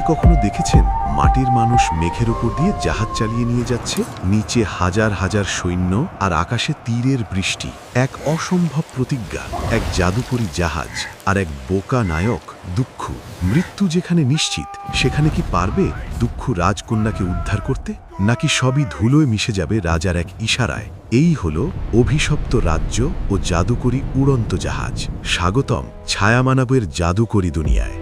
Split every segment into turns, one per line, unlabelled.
কখনো দেখেছেন মাটির মানুষ মেঘের উপর দিয়ে জাহাজ চালিয়ে নিয়ে যাচ্ছে, নিচে হাজার হাজার সৈন্য আর আকাশে তীরের বৃষ্টি? এক অসম্ভব প্রতিজ্ঞা, এক জাদুকরী জাহাজ আর এক বোকা নায়ক দুঃখ। মৃত্যু যেখানে নিশ্চিত, সেখানে কি পারবে দুঃখ রাজকন্যাকে উদ্ধার করতে, নাকি সবই ধুলোয় মিশে যাবে রাজার এক ইশারায়? এই হলো অভিশপ্ত রাজ্য ও জাদুকরী উড়ন্ত জাহাজ। স্বাগতম ছায়ামানবের জাদুকরী দুনিয়ায়।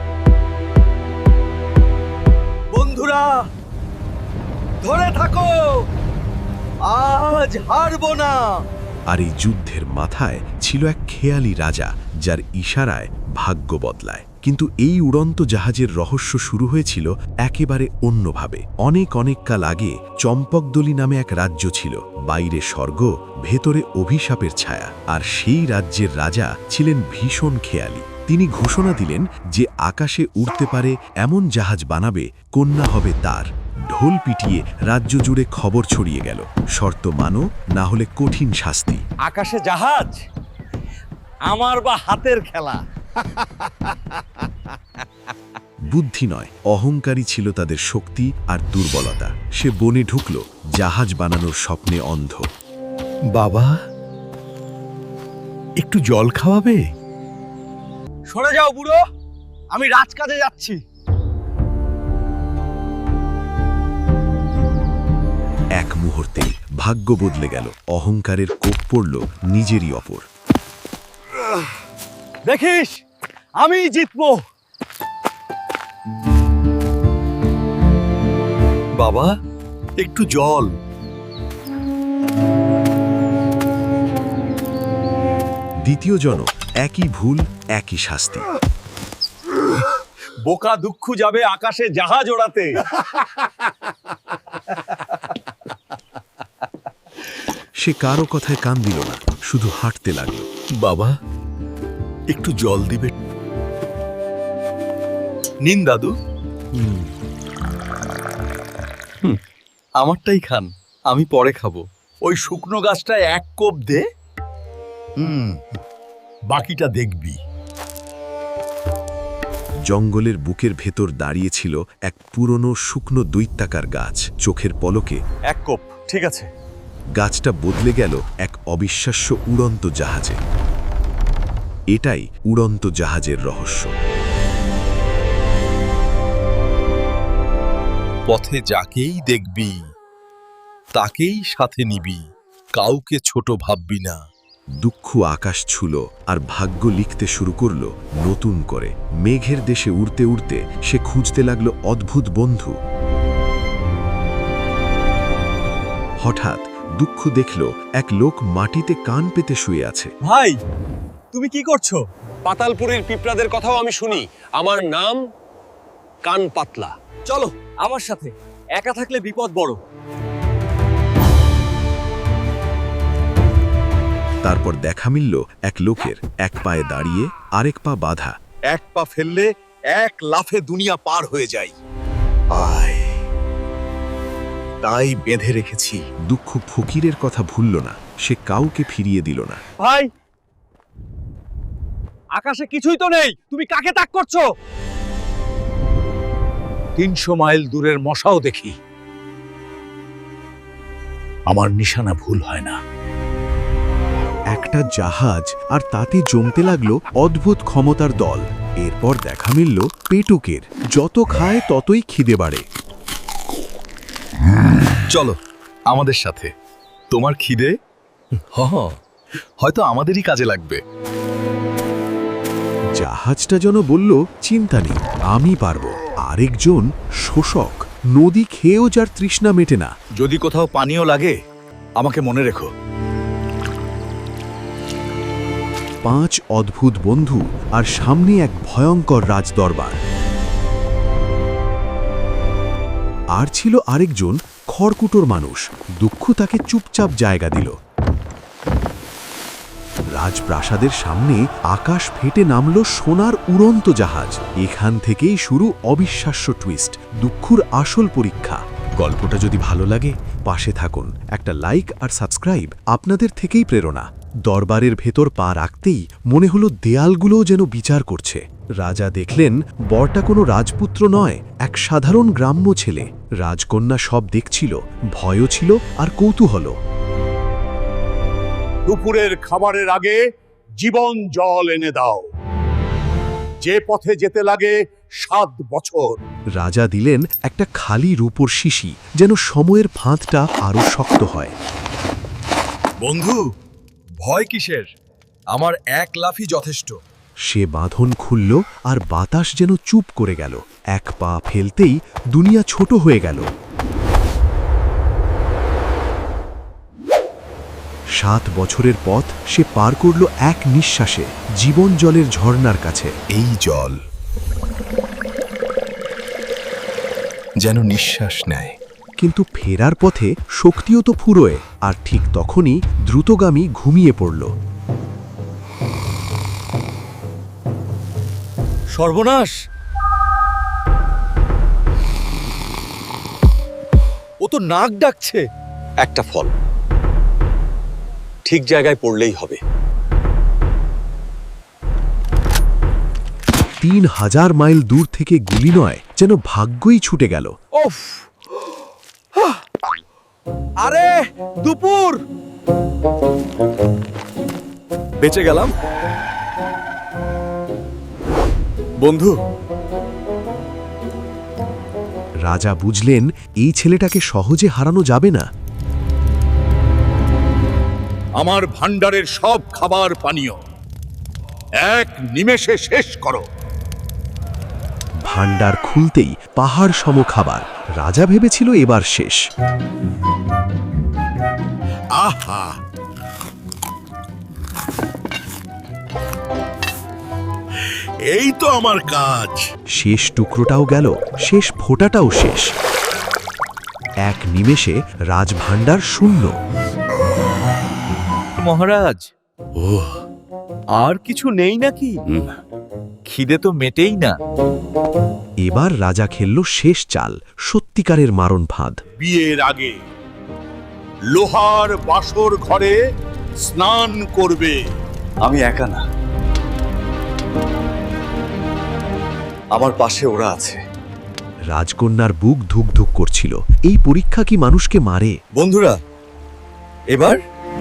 বন্ধুরা ধরে থাকো, আজ হারবো না।
আর এই যুদ্ধের মাথায় ছিল এক খেয়ালি রাজা, যার ইশারায় ভাগ্য বদলায়। কিন্তু এই উড়ন্ত জাহাজের রহস্য শুরু হয়েছিল একেবারে অন্যভাবে। অনেক কাল আগে চম্পকদলি নামে এক রাজ্য ছিল। বাইরে স্বর্গ, ভেতরে অভিশাপের ছায়া। আর সেই রাজ্যের রাজা ছিলেন ভীষণ খেয়ালি। তিনি ঘোষণা দিলেন যে আকাশে উড়তে পারে এমন জাহাজ বানাবে, কন্যা হবে তার। ঢোল পিটিয়ে রাজ্য জুড়ে খবর ছড়িয়ে গেল, শর্ত মানো, না হলে কঠিন শাস্তি।
আকাশে জাহাজ আমার বা হাতের খেলা।
বুদ্ধি নয়, অহংকারী ছিল তাদের শক্তি আর দুর্বলতা। সে বনে ঢুকল, জাহাজ বানানোর স্বপ্নে অন্ধ।
বাবা, একটু জল খাওয়াবে?
সরে যাও বুড়ো, আমি রাজকাজে যাচ্ছি।
এক মুহূর্তে ভাগ্য বদলে গেল। অহংকারের কোপ পড়ল নিজেরই ওপর।
দেখিস, আমি জিতবো।
বাবা, একটু জল।
দ্বিতীয় জন, একই ভুল, একই শাস্তি।
বোকা দুঃখ যাবে আকাশে জাহাজ ওড়াতে।
সে কারো কথায় কান দিল না, শুধু হাঁটতে লাগল।
বাবা, একটু জল দিবে? নিন দাদু। আমারটাই খান, আমি পরে খাবো। ওই শুকনো গাছটায় এক কোপ দে, বাকিটা দেখবি।
জঙ্গলের বুকের ভেতর দাঁড়িয়েছিল এক পুরনো শুকনো দৈত্যাকার গাছ। চোখের পলকে
এক কোপ, ঠিক আছে।
গাছটা বদলে গেল এক অবিশ্বাস্য উড়ন্ত জাহাজে। এটাই উড়ন্ত জাহাজের রহস্য।
পথে যাকেই দেখবি তাকেই সাথে নিবি, কাউকে ছোট ভাববি না।
দুঃখ আকাশ ছুল আর ভাগ্য লিখতে শুরু করলো নতুন করে। মেঘের দেশে উড়তে উড়তে সে খুঁজতে লাগলো অদ্ভুত বন্ধু। হঠাৎ দুঃখ দেখল এক লোক মাটিতে কান পেতে শুয়ে আছে।
ভাই, তুমি কি করছো?
পাতালপুরের পিঁপড়াদের কথাও আমি শুনি। আমার নাম কান পাতলা।
চলো আমার সাথে, একা থাকলে বিপদ বড়।
তারপর দেখা মিলল এক লোকের, এক পায়ে দাঁড়িয়ে, আরেক পা বাঁধা।
এক পা ফেললে এক লাফে দুনিয়া পার হয়ে যায়। আয়, তাই বেঁধে রেখেছি।
দুঃখ ফকিরের কথা ভুলল না, সে কাউকে ফিরিয়ে দিল না।
ভাই, আকাশে কিছুই তো নেই, তুমি কাকে তাক করছো?
300 মাইল দূরের মশাও দেখি, আমার নিশানা ভুল হয় না।
একটা জাহাজ, আর তাতে জমতে লাগলো অদ্ভুত ক্ষমতার দল। এরপর দেখা মিলল পেটুকের, যত খায় ততই খিদে বাড়ে।
চলো আমাদের সাথে, তোমার খিদে হয়তো আমাদেরই কাজে লাগবে।
জাহাজটা যেন বলল, চিন্তা নেই, আমি পারবো। আরেকজন শোষক, নদী খেয়েও যার তৃষ্ণা মেটে না।
যদি কোথাও পানীয় লাগে আমাকে মনে রেখো।
5 অদ্ভুত বন্ধু, আর সামনে এক ভয়ঙ্কর রাজদরবার। আর ছিল আরেকজন খড়কুটোর মানুষ। দুঃখ তাকে চুপচাপ জায়গা দিল। রাজপ্রাসাদের সামনে আকাশ ফেটে নামল সোনার উড়ন্ত জাহাজ। এখান থেকেই শুরু অবিশ্বাস্য টুইস্ট, দুঃখর আসল পরীক্ষা। গল্পটা যদি ভালো লাগে, পাশে থাকুন। একটা লাইক আর সাবস্ক্রাইব আপনাদের থেকেই প্রেরণা। দরবারের ভেতর পা রাখতেই মনে হলো দেয়ালগুলোও যেন বিচার করছে। রাজা দেখলেন বরটা কোনো রাজপুত্র নয়, এক সাধারণ গ্রাম্য ছেলে। রাজকন্যা সব দেখছিল, ভয়ও ছিল আর কৌতূহলও।
দুপুরের খাবারের আগে জীবন জল এনে দাও, যে পথে যেতে লাগে 7 বছর।
রাজা দিলেন একটা খালি রূপোর শিশি, যেন সময়ের ফাঁদটা আরো শক্ত হয়।
বন্ধু, ভয় কিসের? আমার এক লাফই যথেষ্ট।
সে বাঁধন খুলল আর বাতাস যেন চুপ করে গেল। এক পা ফেলতেই দুনিয়া ছোট হয়ে গেল। 7 বছরের পথ সে পার করল এক নিঃশ্বাসে, জীবন জলের ঝর্ণার কাছে।
এই জল যেন নিঃশ্বাস নেয়।
কিন্তু ফেরার পথে শক্তিও তো ফুরোয়, আর ঠিক তখনই দ্রুতগামী ঘুমিয়ে পড়ল।
সর্বনাশ! ও তো নাক ডাকছে।
একটা ফল ঠিক জায়গায় পড়লেই হবে।
3000 মাইল দূর থেকে গুলি নয়, যেন ভাগ্যই ছুটে গেল।
ওফ! আরে দুপুর! বেঁচে গেলাম বন্ধু।
রাজা বুঝলেন এই ছেলেটাকে সহজে হারানো যাবে না।
আমার ভাণ্ডারের সব খাবার পানীয় এক নিমেষে শেষ করো।
ভাণ্ডার খুলতেই পাহাড় সম খাবার। রাজা ভেবেছিল এবার শেষ।
আহা, এই তো আমার কাজ।
শেষ টুকরোটাও গেল, শেষ ফোঁটাটাও শেষ। এক নিমেষে রাজভাণ্ডার শূন্য।
মহারাজ, আর কিছু নেই নাকি? খিদে তো মেটেই না।
এবার রাজা খেলল শেষ চাল, সত্যিকারের মারণ ফাঁদ।
বিয়ের আগে লোহার বাসর ঘরে স্নান করবে।
আমি একা না, আমার পাশে ওরা আছে।
রাজকন্যার বুক ধুক ধুক করছিল। এই পরীক্ষা কি মানুষকে মারে?
বন্ধুরা, এবার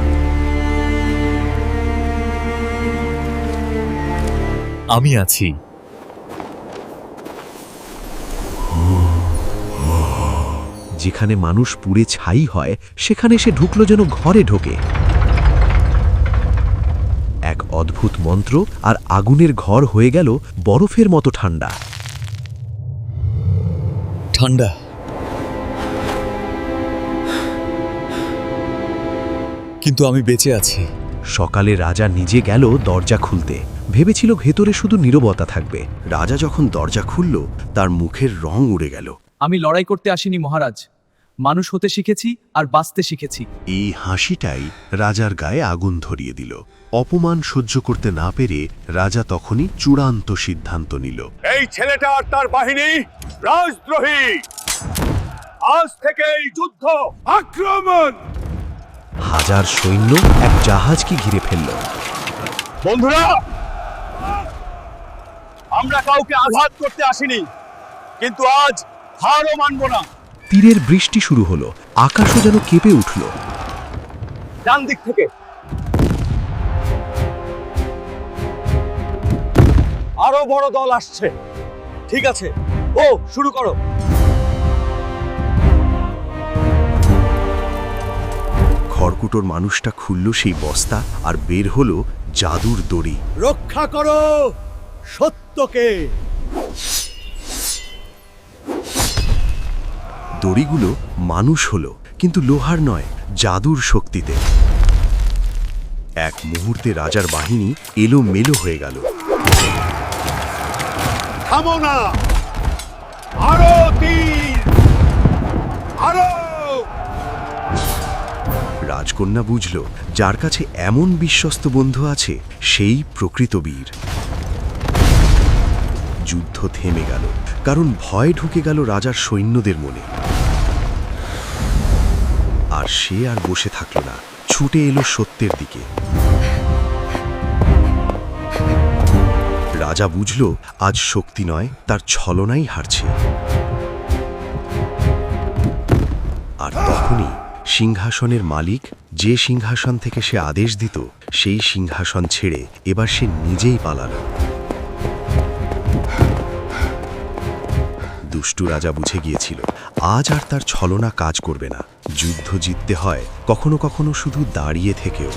আমি আছি।
যেখানে মানুষ পুড়ে ছাই হয়, সেখানে সে ঢুকলো যেন ঘরে ঢোকে। এক অদ্ভুত মন্ত্র, আর আগুনের ঘর হয়ে গেল বরফের মতো ঠান্ডা।
ঠান্ডা। কিন্তু আমি বেঁচে আছি।
সকালে রাজা নিজে গেল দরজা খুলতে। ভেবেছিল ভেতরে শুধু নীরবতা থাকবে। রাজা যখন দরজা খুলল, তার মুখের রং উড়ে গেল।
আমি লড়াই করতে আসিনি মহারাজ, মানুষ হতে শিখেছি আর বাঁচতে শিখেছি।
এই হাসিটাই রাজার গায়ে আগুন ধরিয়ে দিল। অপমান সহ্য করতে না পেরে রাজা তখনই চূড়ান্ত সিদ্ধান্ত নিল।
এই ছেলেটা আর তার বাহিনী রাজদ্রোহী। আজ থেকে এই যুদ্ধ আক্রমণ।
হাজার সৈন্য এক জাহাজকে ঘিরে ফেলল।
বন্ধুরা, আমরা কাউকে আঘাত করতে আসিনি, কিন্তু আজ হারও মানব না।
তীরের বৃষ্টি শুরু হলো, আকাশও যেন কেঁপে উঠল।
ডান দিক থেকে আরো বড় দল আসছে। ঠিক আছে, ও শুরু করো।
খড়কুটোর মানুষটা খুলল সেই বস্তা, আর বের হলো জাদুর দড়ি।
রক্ষা করো সত্যকে।
দড়িগুলো মানুষ হলো, কিন্তু লোহার নয়, জাদুর শক্তিতে। এক মুহূর্তে রাজার বাহিনী এলোমেলো হয়ে গেল।
থামো না, আরো তীর, আরো।
রাজকন্যা বুঝল, যার কাছে এমন বিশ্বস্ত বন্ধু আছে, সেই প্রকৃত বীর। যুদ্ধ থেমে গেল, কারণ ভয় ঢুকে গেল রাজার সৈন্যদের মনে। আর সে আর বসে থাকল না, ছুটে এলো সত্যের দিকে। রাজা বুঝল আজ শক্তি নয়, তার ছলনাই হারছে। আর তখনই সিংহাসনের মালিক, যে সিংহাসন থেকে সে আদেশ দিত, সেই সিংহাসন ছেড়ে এবার সে নিজেই পালাল। দুষ্টু রাজা বুঝে গিয়েছিল আজ আর তার ছলনা কাজ করবে না। যুদ্ধ জিততে হয় কখনো কখনো শুধু দাঁড়িয়ে থেকেও।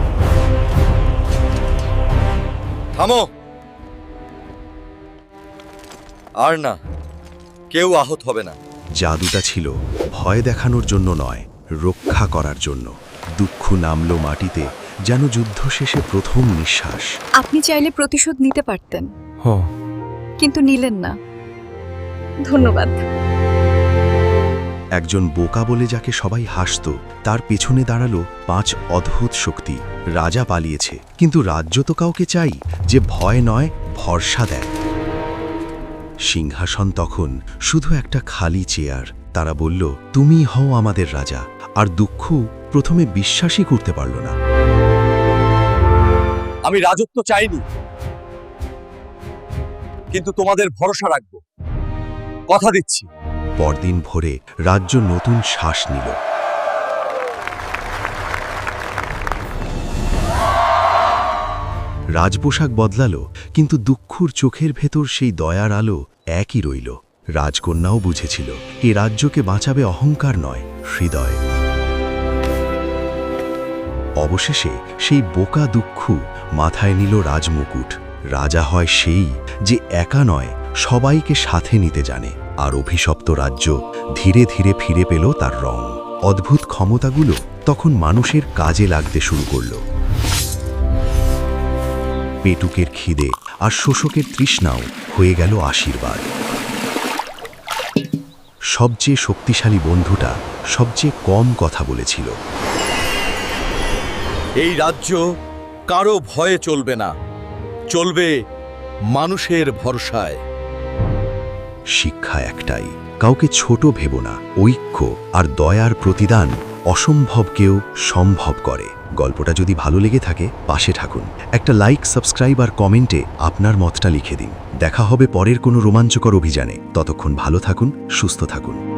থামো, আর না, কেউ আহত হবে না।
জাদুটা ছিল ভয় দেখানোর জন্য নয়, রক্ষা করার জন্য। দুঃখ নামল মাটিতে, যেন যুদ্ধ শেষে প্রথম নিঃশ্বাস।
আপনি চাইলে প্রতিশোধ নিতে পারতেন, কিন্তু নিলেন না। ধন্যবাদ।
একজন বোকা বলে যাকে সবাই হাসত, তার পেছনে দাঁড়ালো 5 অদ্ভুত শক্তি। রাজা পালিয়েছে, কিন্তু রাজ্য তো কাউকে চাই যে ভয় নয়, ভরসা দেয়। সিংহাসন তখন শুধু একটা খালি চেয়ার। তারা বলল, তুমি হও আমাদের রাজা। আর দুঃখ প্রথমে বিশ্বাসই করতে পারল না।
আমি রাজত্ব চাইনি, কিন্তু তোমাদের ভরসা রাখবো, কথা দিচ্ছি।
পরদিন ভোরে রাজ্য নতুন শ্বাস নিল। রাজপোশাক বদলালো, কিন্তু দুঃখুর চোখের ভেতর সেই দয়ার আলো একই রইল। রাজকন্যাও বুঝেছিল এ রাজ্যকে বাঁচাবে অহংকার নয়, হৃদয়। অবশেষে সেই বোকা দুঃখ মাথায় নিল রাজমুকুট। রাজা হয় সেই যে একা নয়, সবাইকে সাথে নিতে জানে। আর অভিশপ্ত রাজ্য ধীরে ধীরে ফিরে পেল তার রং। অদ্ভুত ক্ষমতাগুলো তখন মানুষের কাজে লাগতে শুরু করল। পেটুকের খিদে আর শোষকের তৃষ্ণাও হয়ে গেল আশীর্বাদ। সবচেয়ে শক্তিশালী বন্ধুটা সবচেয়ে কম কথা বলেছিল।
এই রাজ্য কারো ভয়ে চলবে না, চলবে মানুষের ভরসায়।
শিক্ষা একটাই, কাউকে ছোট ভেবো না। ঐক্য আর দয়ার প্রতিদান অসম্ভবকেও সম্ভব করে। গল্পটা যদি ভালো লেগে থাকে, পাশে থাকুন। একটা লাইক, সাবস্ক্রাইব আর কমেন্টে আপনার মতটা লিখে দিন। দেখা হবে পরের কোনো রোমাঞ্চকর অভিযানে। ততক্ষণ ভালো থাকুন, সুস্থ থাকুন।